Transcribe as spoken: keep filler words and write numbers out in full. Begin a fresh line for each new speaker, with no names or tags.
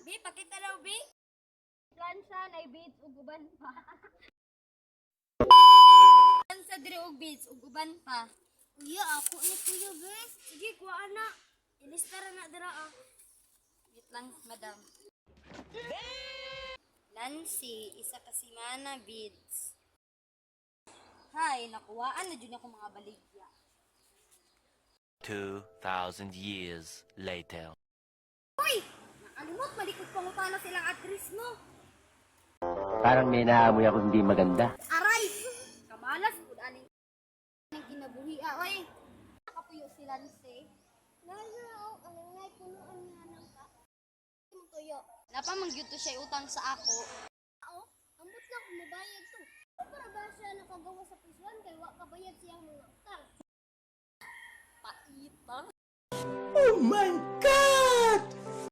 Bi, pakita daw, Bi.
Plansya na beads ug uban pa.
Sa dire og beads ug uban pa.
Kuya, ako ni kuya, bes.
Sige, kuha na. Ilista ra na dira ah. Wait lang, madam. Nancy, isa ka si Mana beads. Hay, nakuhaan na dyan ako mga baligya.
Two thousand years later.
Hoy! Nakalimot, malikot pangutana silang address mo.
Parang may naamoy ako hindi maganda.
Aray! Kamalas, kung aning aning kinabuhi ah, oy. Nakapuyo si Lance.
Nalaw, ang ngay punuan nga nang ka. Mo tuyo.
Napa mangyuto siya utang sa ako.
Oo, ambot lang kumabayad to. Para ba siya nakagawa sa prison kay wa kabayad siyang mga utang?
Paitang.
Oh my God!